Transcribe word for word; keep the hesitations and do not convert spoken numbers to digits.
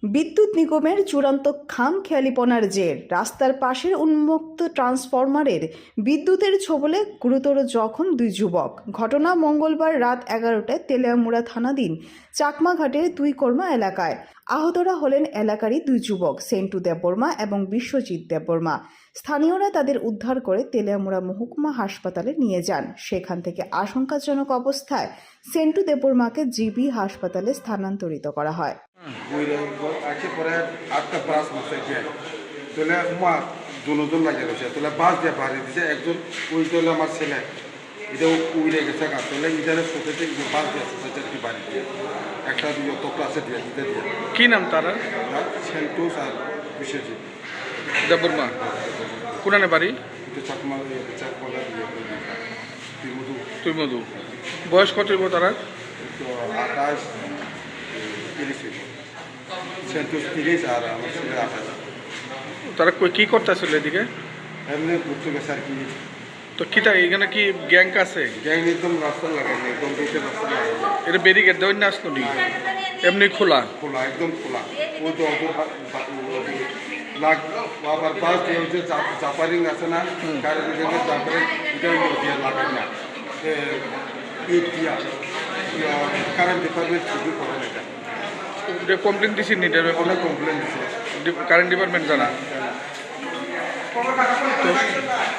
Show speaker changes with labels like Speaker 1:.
Speaker 1: বিদ্যুৎ নিগমের চূড়ান্ত খামখেয়ালিপনার জের রাস্তার পাশের উন্মুক্ত ট্রান্সফরমারের বিদ্যুতের ছোবলে গুরুতর জখম দুই যুবক। ঘটনা মঙ্গলবার রাত এগারোটায় তেলিয়ামুড়া থানাধীন চাকমাঘাটের দুই কর্মা এলাকায়। আহতরা হলেন এলাকারই দুই যুবক সেন্টু দেববর্মা এবং বিশ্বজিৎ দেববর্মা। স্থানীয়রা তাদের উদ্ধার করে তেলিয়ামুড়া মহকুমা হাসপাতালে নিয়ে যান। সেখান থেকে আশঙ্কাজনক অবস্থায় সেন্টু দেববর্মাকে জিবি হাসপাতালে স্থানান্তরিত করা হয়।
Speaker 2: আছে পরে আটটা প্রাস মাসে গিয়ে তাহলে মা দুজন লাগিয়ে রয়েছে তাহলে বাস দিয়ে বাড়ি দিছে একজন ওই তাহলে আমার ছেলে এটা উড়ে গেছে গা তাহলে ইটারে সোসাইটি বাস দিয়ে সোসাইটি বাড়ি দিয়ে একটা দিয়ে তো ক্লাসে দিয়ে দিতে দিয়ে
Speaker 3: কি নাম তারা?
Speaker 2: সেন্টোস আর বিশ্বজিৎ
Speaker 3: দেববর্মা। কোনানে বাড়ি?
Speaker 2: চাকমা চাকমালা দিয়ে তুই মধু
Speaker 3: তুই মধু। বয়স কত হইব তারা?
Speaker 2: তো আঠাশ তিরিশ সেন্টোস তিরিশ আর আমার ছেলে আঠাশ।
Speaker 3: তারা কই কি করতেছিল এদিকে?
Speaker 2: এমনি ঘুরতে গেছে আর কি।
Speaker 3: তো কিটা এখানে কি গ্যাং আছে?
Speaker 2: গ্যাং একদম রাস্তা লাগাইনি একদম দুইটা রাস্তা লাগাইনি
Speaker 3: এটা ব্যারিকেড দেওয়া না আসলো নি? এমনি খোলা
Speaker 2: খোলা একদম খোলা ওই তো অত লাগ আবার বাস দিয়ে হচ্ছে জাপারিং আছে না কারেন্ট গেলে জাপারিং এটা দিয়ে লাগাই না ইট দিয়া কারেন্ট ডিপার্টমেন্ট ছুটি করে না
Speaker 3: এটা কমপ্লেন দিছি নি?
Speaker 2: অনেক কমপ্লেন দিচ্ছে
Speaker 3: কারেন্ট ডিপার্টমেন্ট জানা তো